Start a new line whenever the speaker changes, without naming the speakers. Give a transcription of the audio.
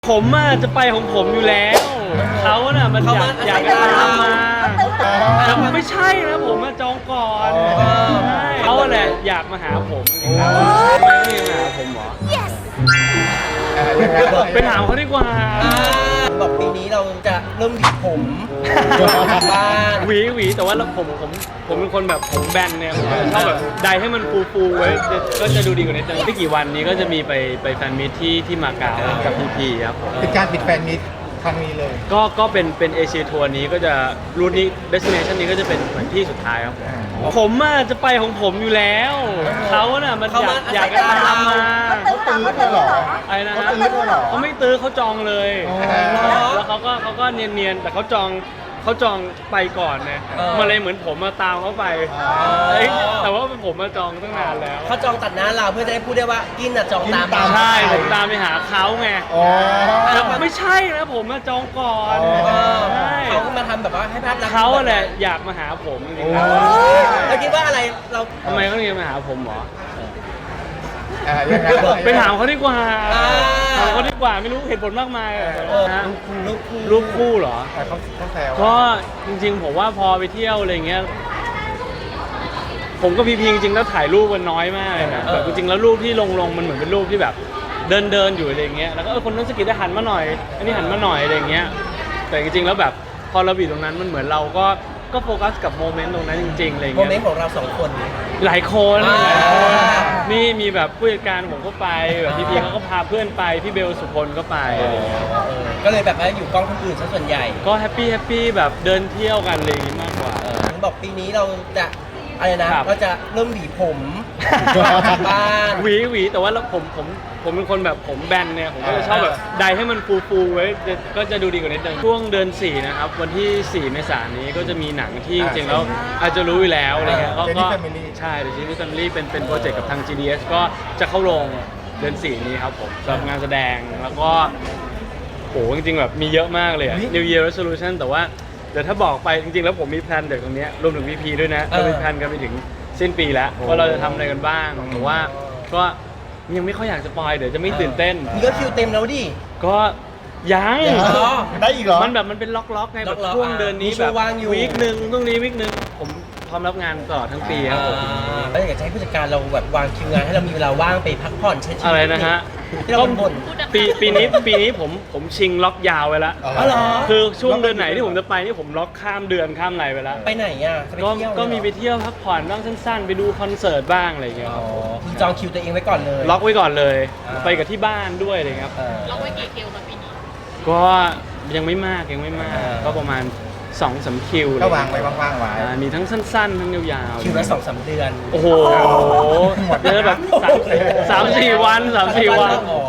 ผมจะไปของผมอยู่แล้วเขาน่ะมันอยากจะตามมาแต่ไม่ใช่นะผมจองก่อนใช่เขาแหละอยากมาหาผมจริงๆแล้วไม่ได้มาหาผมหรอไปถามเขาดีกว่า
บอกปีนี้เราจะเริ่มหวีผมบ้าน
หวีแต่ว่าผมเป็นคนแบบผมแบนเนี่ยผมชอบแบบไดให้มันฟูไว้ก็จะดูดีกว่านี้แต่ไม่กี่วันนี้ก็จะมีไปแฟนมิตที่มาเก๊ากับพีครับ
เป็นการปิดแฟนมิตครั้งนี้เลย
ก็เป็นเอเชียทัวร์นี้ก็จะรูทนี้เดสติเนชันนี้ก็จะเป็นเหมือนที่สุดท้ายครับผมจะไปของผมอยู่แล้วเขาน่ะมันอยากจะตามมา
เขาตื้อเธอหรอ
อะไรนะฮะเขาไม่ตื้อเขาจองเลยแล้วเขาก็เนียนๆแต่เขาจองไปก่อนเนี่ยมาเลยเหมือนผมมาตามเขาไปแต่ว่าผมมาจองตั้งนานแล้ว
เขาจองตัดหน้าเราเพื่อจะได้พูดได้ว่ากินจองตาม
ใช่ผมตามไปหาเขาไงแต่ไม่ใช่นะผมมาจองก่อน
เขาก็มาทำแบบว่าให้ภาพลักษณ์
เขาแหละอยากมาหาผมจริงๆ
แล้วคิดว่าอะไรเรา
ทำไมเขาถึงมาหาผมหรอ
ยังไง
ไปถามเขาดีกว่าถามเขาดีกว่าไม่รู้เหตุผลมากมายรูปคู่เหรอ
เขาแซว
ก็จริงๆผมว่าพอไปเที่ยวอะไรเงี้ยผมก็พีจริงๆแล้วถ่ายรูปมันน้อยมากเลยนะแบบจริงๆแล้วรูปที่ลงมันเหมือนเป็นรูปที่แบบเดินอยู่อะไรเงี้ยแล้วก็คนนั้นสกิดได้หันมาหน่อยอันนี้หันมาหน่อยอะไรเงี้ยแต่จริงๆแล้วแบบพอเราอยู่ตรงนั้นมันเหมือนเราก็โฟกัสกับโมเมนต์ตรงนั้นจริงๆอะไรเงี้ย
โมเมนต์ของเราสองคน
หลายคนนี่มีแบบผู้จัดการผมก็ไปแบบพีเขาก็พาเพื่อนไปพี่เบลสุพลก็ไปอะไรเงี้ย
ก็เลยแบบว่าอยู่กล้องคนอื่นซะส่วนใหญ่
ก็แฮปปี้แบบเดินเที่ยวกันอะไรอย่างงี้มากกว่า
บอกปีนี้เราจะอะไรนะเราจะเริ่มหวีผมบ้าน
หวีแต่ว่าผมเป็นคนแบบผมแบนเนี่ยผมก็จะชอบแบบไดให้มันฟูไว้ก็จะดูดีกว่านี้ช่วงเดือน4นะครับวันที่4 เมษายนนี้ก็จะมีหนังที่จริงๆแล้วอาจจะรู้อยู่แล้วอะไรเงี้ยก็ใช่เดอะซีรีส์แฟมิลี่เป็นโปรเจกต์กับทาง GDS ก็จะเข้าโรงเดือน4นี้ครับผมสำหรับงานแสดงแล้วก็โหจริงๆแบบมีเยอะมากเลย New Year Resolution แต่ว่าเดี๋ยวถ้าบอกไปจริงๆแล้วผมมีแพลนเด็กตรงนี้รวมถึง VP ด้วยนะเรามีแพลนกันไปถึงสิ้นปีแล้วว่าเราจะทำอะไรกันบ้างแต่ว่าก็ยังไม่ค่อยอยากสปอยเดี๋ยวจะไม่ตื่นเต้น
นี่ก็คิวเต็มแล้วดิ
ก็ยัง
ได้อีกเหรอ
มันเป็นล็อกไงแบบช่วงเดือนนี้แบบวีคนึงตรงนี้วีคนึงผมพร้อมรับงานตลอดทั้งปีครับผม
แล้วอยากจะให้ผู้จัดการเราแบบวางคิวงานให้เรามีเวลาว่างไปพักผ่อนใช้ชีวิต
อะไรนะฮะ
ที่เราบ่น
ปีนี้ผมชิงล็อกยาวไว้แล้วคือช่วงเดือนไหนที่ผมจะไปนี่ผมล็อกข้ามเดือนข้ามอะไรไปแล้ว
ไปไหนอ่ะ
ก็มีไปเที่ยวพักผ่อนบ้างสั้นๆไปดูคอนเสิร์ตบ้างอะไรอย่างเงี้ย
จองคิวตัวเองไว้ก่อนเลย
ล็อกไว้ก่อนเลยไปกับที่บ้านด้วยอะไรครับ
ล็อกไว้กี่คิวมาปีนี้
ก็ยังไม่มากก็ประมาณ2-3 คิว
ก็วางไว้ว่างๆไว้
มีทั้งสั้นๆทั้งยาว
ๆคิวละ2-3 เดือน
โอ้โหเยอะแบบ3-4 วัน3-4 วัน